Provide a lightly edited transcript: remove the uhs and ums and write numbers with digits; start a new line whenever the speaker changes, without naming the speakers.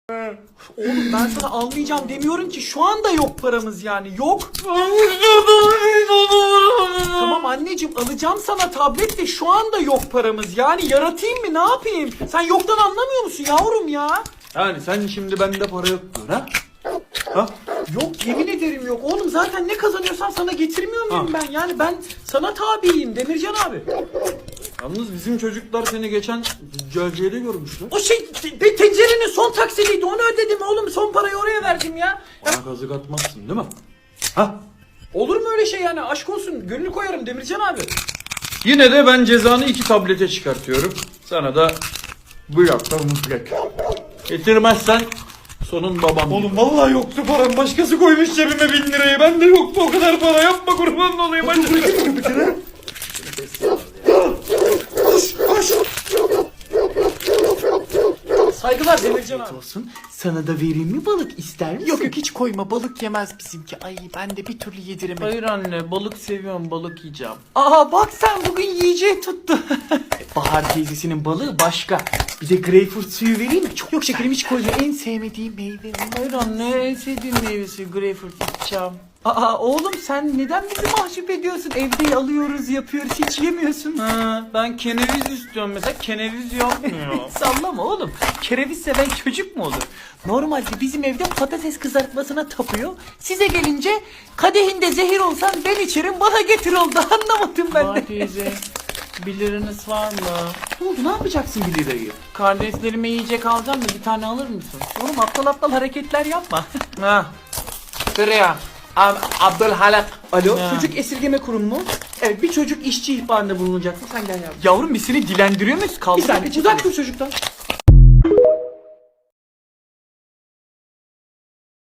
Oğlum ben sana almayacağım demiyorum ki, şu anda yok paramız yani, yok. Tamam anneciğim, alacağım sana tablet de şu anda yok paramız, yani yaratayım mı, ne yapayım? Sen yoktan anlamıyor musun yavrum ya?
Yani sen şimdi bende para yok diyorsun ha? Ha?
Yok, yemin ederim yok oğlum, zaten ne kazanıyorsam sana getirmiyor muyum ben? Yani ben sana tabiyim Demircan abi.
Yalnız bizim çocuklar seni geçen züccaciyede görmüşler.
O şey tencerenin son taksidiydi, onu ödedim oğlum, son parayı oraya verdim ya.
Bana kazık atmazsın değil mi? Ha?
Olur mu öyle şey yani, aşk olsun, gönül koyarım Demircan abi.
Yine de ben cezanı 2 tablete çıkartıyorum. Sana da bu yapta mutlak. Getirmezsen sonun babam.
Oğlum vallahi yoktu param. Başkası koymuş cebime 1000 lirayı. Bende yoktu o kadar para. Yapma, kurban olayım. Hadi.
Saygılar Demircan abi.
Olsun. Sana da vereyim mi, balık ister misin?
Yok yok, hiç koyma, balık yemez bizimki. Ay ben de bir türlü yediremedim.
Hayır anne, balık seviyorum, balık yiyeceğim.
Aa bak sen bugün yiyeceği tuttu.
Bahar teyzesinin balığı başka. Bir de greyfurt suyu vereyim mi? Çok yok şekerim, hiç koyma. En sevmediğim meyve.
Hayır anne, en sevdiğim meyvesi greyfurt, içeceğim. Aa oğlum, sen neden bizi mahcup ediyorsun? Evde alıyoruz, yapıyoruz, hiç yemiyorsun.
Ha, ben keneviz istiyorum mesela, keneviz yapmıyor.
Sallama oğlum. Kereviz seven çocuk mu olur? Normalde bizim evde patates kızartmasına tapıyor. Size gelince kadehinde zehir olsan ben içerim, bana getir oldu. Anlamadım ben
Bahar
de.
teyze, 1 liranız var mı?
Ne oldu, ne yapacaksın 1 lirayı?
Kardeşlerime yiyecek alacağım da bir tane alır mısın?
Oğlum aptal aptal hareketler yapma.
Ha. Şuraya. Abdülhalak.
Alo,
Ya.
çocuk esirgeme kurumu mu? Evet, bir çocuk işçi ihbarında bulunacaksın. Sen gel yavrum.
Yavrum biz seni dilendiriyor muyuz?
Bir
Kaldır.
saniye, uzak dur çocuktan.